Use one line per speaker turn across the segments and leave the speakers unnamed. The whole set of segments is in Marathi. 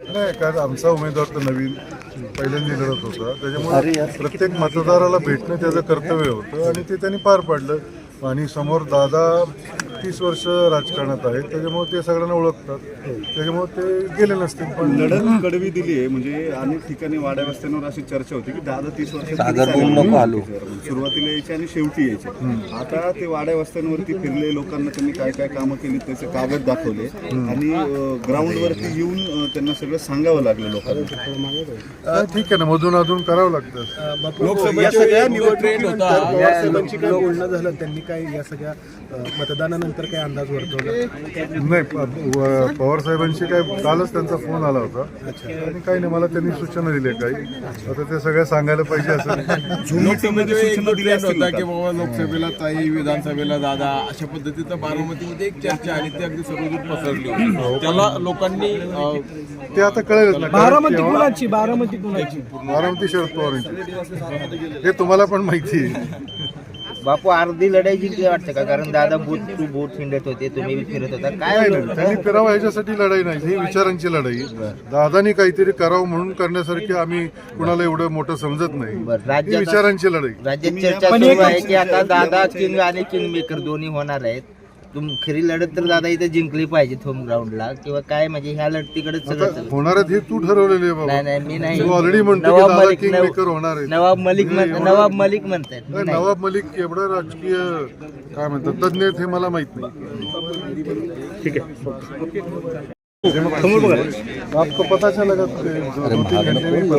नाही, कारण आमचा उमेदवार तर नवीन पहिल्यांदा लढत होता, त्याच्यामुळे प्रत्येक मतदाराला भेटणं त्याचं कर्तव्य होतं आणि ते त्यांनी पार पाडलं. आणि समोर दादा 30 वर्ष राजकारणात आहेत, त्याच्यामुळे ते सगळ्यांना ओळखतात, त्याच्यामुळे ते गेले नसतील. पण
लढत कडवी दिली आहे. म्हणजे अनेक ठिकाणी वाड्या वस्त्यांवर अशी चर्चा होती की दादा 30 वर्ष सुरुवातीला यायचे आणि शेवटी यायचे. आता ते वाड्या वस्त्यांवरती फिरले, लोकांना त्यांनी काय काय कामं केली त्याचे कागद दाखवले आणि ग्राउंडवरती येऊन त्यांना सगळं सांगावं लागलं लोकांना.
ठीक आहे ना, मधून अधून करावं लागतं.
लोकसभा सगळ्या निवडणुकीनंतर
पवारसाहेबांची काय बोलणं झालं, त्यांनी काय या सगळ्या मतदानानंतर काय अंदाज वर्तवला?
नाही, पवार साहेबांशी काय कालच त्यांचा फोन आला होता आणि काही नाही, मला त्यांनी सूचना दिल्या काही. आता ते सगळ्या सांगायला पाहिजे असं
होता की बाबा लोकसभेला ताई, विधानसभेला दादा, अशा पद्धतीचं बारामतीमध्ये एक चर्चा आली, ती अगदी सर्वदूर पसरली. त्याला लोकांनी
ते आता कळेलच ना.
बारामती
बारामती शरद पवारांची हे तुम्हाला पण माहिती आहे.
बापू अर्धी लढाई जिंकली वाटतं का? कारण दादा बूथ टू बूथ हिंडत होते, तुम्ही बी फिरत होता. काय
नाही, त्यांनी फिरावं ह्याच्यासाठी लढाई नाही, ही विचारांची लढाई. दादानी काहीतरी करावं म्हणून करण्यासारखी आम्ही कुणाला एवढं मोठं समजत नाही. ही विचारांची लढाई.
राज्यात चर्चा सुरू आहे की आता दादा किंग आणि किंग मेकर दोन्ही होणार आहेत. खरी लढत तर दादा इथे जिंकली पाहिजे होम ग्राउंडला किंवा काय, म्हणजे ह्या लढतीकडे सगळं
होणार आहे. हे तू ठरवलेले आहे बाबा.
नाही मी नाही.
तू ऑलरेडी म्हणतो की दादा किंग मेकर होणार आहे.
नवाब मलिक म्हणतात.
नवाब मलिक एवढं राजकीय काय म्हणतात तज्ञ आहेत हे मला माहित नाही. ठीक आहे, आपको पता चला का? 2-3 घंटे में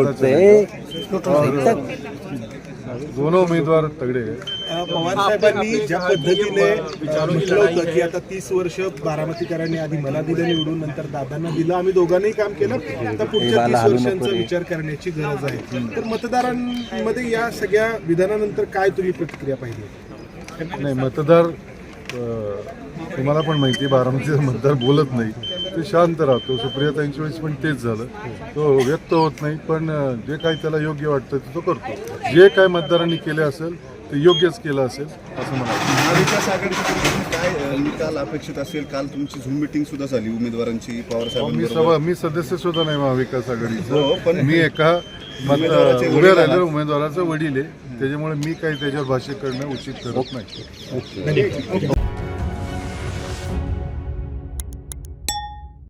पता चला. दोनों उमेदवार तगड़े हैं.
पवार साहेबांनी ज्या पद्धतीने म्हटलं होतं की आता 30 वर्ष बारामतीकरांनी आधी मला दिलं निवडून, नंतर दादांना दिलं, आम्ही दोघांनाही काम केलं, आता पुढच्या 30 वर्षांचा विचार करण्याची गरज आहे. तर मतदारांमध्ये या सगळ्या विधानानंतर काय तुम्ही प्रतिक्रिया पाहिजे?
नाही, मतदार तुम्हाला पण माहिती आहे, बारामतीचा मतदार बोलत नाही, ते शांत राहतो. सुप्रियाताईंच्या वेळेस पण तेच झालं, तो व्यक्त होत नाही, पण जे काही त्याला योग्य वाटतं ते तो करतो. जे काय मतदारांनी केले असेल ते योग्यच केलं असेल असं मला वाटतं.
महाविकास आघाडीच्या काय निकाल अपेक्षित असेल? काल तुमची झूम मिटिंग सुद्धा झाली उमेदवारांची पवार साहेबांबरोबर.
मी सदस्य सुद्धा नाही महाविकास
हो,
आघाडीचं,
पण
मी एका उभ्या राहिलेल्या उमेदवाराचा वडील आहे, त्याच्यामुळे मी काही त्याच्यावर भाष्य करणं उचित ठरत नाही.